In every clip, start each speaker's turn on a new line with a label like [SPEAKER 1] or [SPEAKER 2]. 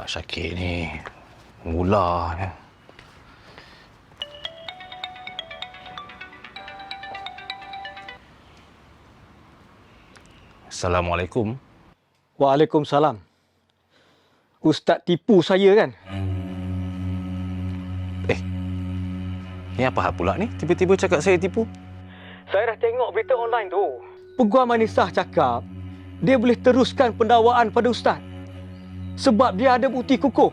[SPEAKER 1] Syakir ni mula ya. Assalamualaikum.
[SPEAKER 2] Waalaikumsalam. Ustaz tipu saya kan?
[SPEAKER 1] Ni apa hal pula ni? Tiba-tiba cakap saya tipu.
[SPEAKER 2] Saya dah tengok berita online tu. Peguam Anisah cakap dia boleh teruskan pendakwaan pada Ustaz sebab dia ada bukti kukuh.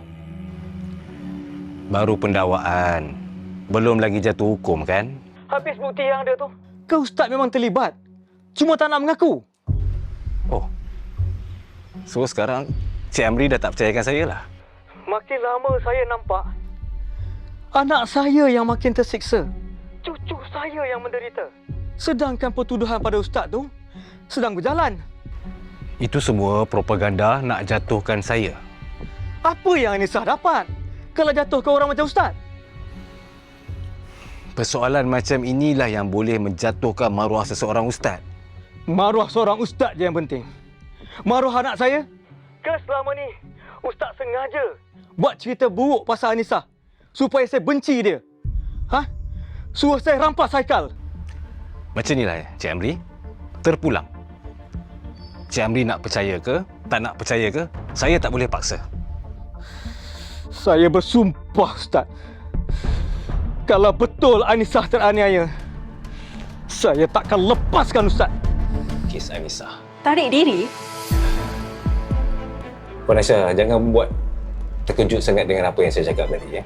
[SPEAKER 1] Baru pendakwaan. Belum lagi jatuh hukum kan?
[SPEAKER 2] Habis bukti yang ada tu, ke Ustaz memang terlibat. Cuma tak nak mengaku.
[SPEAKER 1] Oh. So sekarang Cik Amri dah tak percayakan saya lah.
[SPEAKER 2] Makin lama saya nampak anak saya yang makin tersiksa. Cucu saya yang menderita. Sedangkan pertuduhan pada Ustaz tu sedang berjalan.
[SPEAKER 1] Itu semua propaganda nak jatuhkan saya.
[SPEAKER 2] Apa yang Anisah dapat kalau jatuh ke orang macam Ustaz?
[SPEAKER 1] Persoalan macam inilah yang boleh menjatuhkan maruah seseorang ustaz.
[SPEAKER 2] Maruah seorang Ustaz je yang penting. Maruah anak saya? Ke selama ni Ustaz sengaja buat cerita buruk pasal Anisah supaya saya benci dia? Ha? Suruh saya rampas Haikal.
[SPEAKER 1] Macam inilah Cik Amri. Terpulang. Cik Amri nak percaya ke, tak nak percaya ke, saya tak boleh paksa.
[SPEAKER 2] Saya bersumpah Ustaz, kalau betul Anisah teraniaya, saya takkan lepaskan Ustaz.
[SPEAKER 1] Kes Anisah.
[SPEAKER 3] Tarik diri?
[SPEAKER 1] Puan Aisyah, jangan buat terkejut sangat dengan apa yang saya cakap tadi. Ya.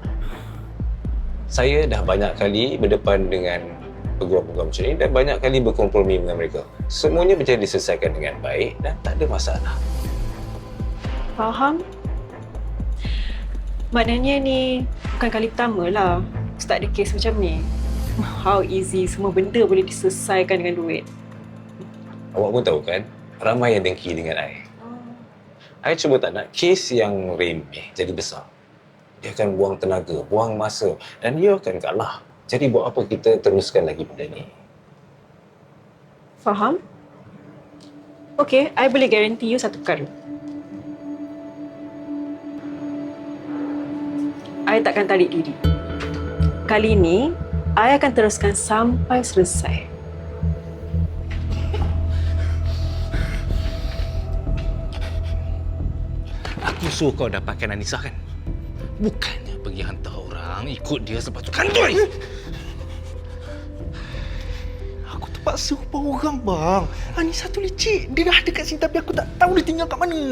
[SPEAKER 1] Saya dah banyak kali berdepan dengan peguam-peguam macam ni dan banyak kali berkompromi dengan mereka. Semuanya bisa diselesaikan dengan baik dan tak ada masalah.
[SPEAKER 3] Faham? Maknanya ni bukan kali pertama lah Ustaz ada kes macam ni. How easy semua benda boleh diselesaikan dengan duit.
[SPEAKER 1] Awak pun tahu kan, ramai yang dengki dengan I cuma tak nak kes yang remeh jadi besar. Dia akan buang tenaga, buang masa dan dia akan kalah. Jadi buat apa kita teruskan lagi benda ni?
[SPEAKER 3] Faham? Okay, I boleh guarantee you satu perkara. I takkan tarik diri. Kali ni, I akan teruskan sampai selesai.
[SPEAKER 1] Aku suruh kau dapatkan Anisah kan? Bukannya pergi hantar orang ikut dia sebab tu kandoi.
[SPEAKER 4] Aku terpaksa upah orang bang. Anisah tu licik. Dia dah ada kat sini tapi aku tak tahu dia tinggal kat mana.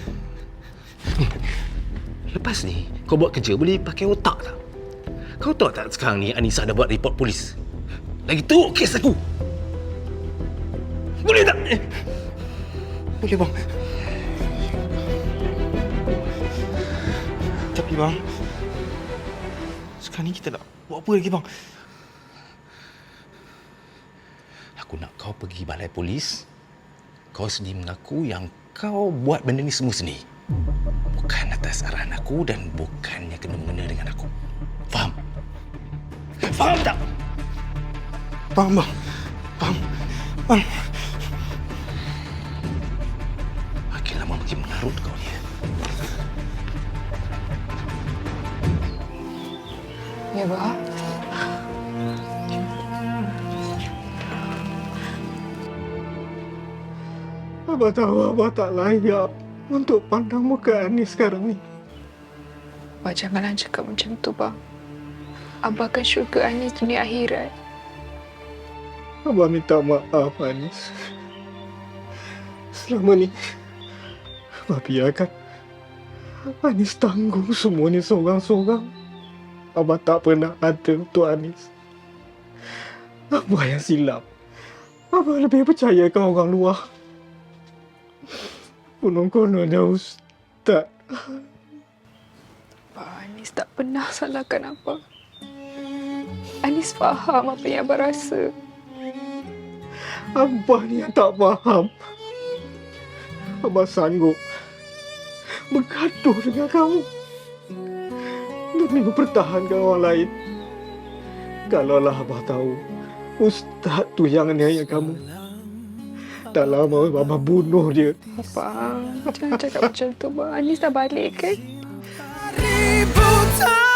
[SPEAKER 1] Lepas ni, kau buat kerja boleh pakai otak tak? Kau tahu tak sekarang ni Anisah dah buat report polis? Lagi teruk kes aku. Boleh tak?
[SPEAKER 4] Boleh bang. Tapi bang, sekarang ni kita nak buat apa lagi bang?
[SPEAKER 1] Aku nak kau pergi balai polis. Kau sendiri mengaku yang kau buat benda ni semua sendiri. Bukan atas arahan aku dan bukannya kena-mengena dengan aku. Faham? Faham tak?
[SPEAKER 4] Bang, bang. Bang. Bang.
[SPEAKER 1] Makin lama makin mengarut kau ni.
[SPEAKER 5] Ya, Bah.
[SPEAKER 2] Abah tahu Abah tak layak untuk pandang muka Anis sekarang ni.
[SPEAKER 5] Abah janganlah cakap macam tu, Bah. Abah akan syurga Anis dunia akhirat.
[SPEAKER 2] Abah minta maaf Anis. Selama ni Abah biarkan Anis tanggung semua ni seorang-seorang. Abah tak pernah ada untuk Anis. Abah yang silap. Abah lebih percayakan orang luar. Konon-kononnya Ustaz.
[SPEAKER 5] Bah, Anis tak pernah salahkan Abah. Anis faham apa yang Abah rasa.
[SPEAKER 2] Abah ni yang tak faham. Abah sanggup bergaduh dengan kamu demi mempertahankan orang lain. Kalaulah Abah tahu Ustaz tu yang aniaya kamu, Tak lama Abang bunuh dia.
[SPEAKER 5] Bang, jangan cakap macam tu bang. Anis dah balik kan?
[SPEAKER 6] Ributan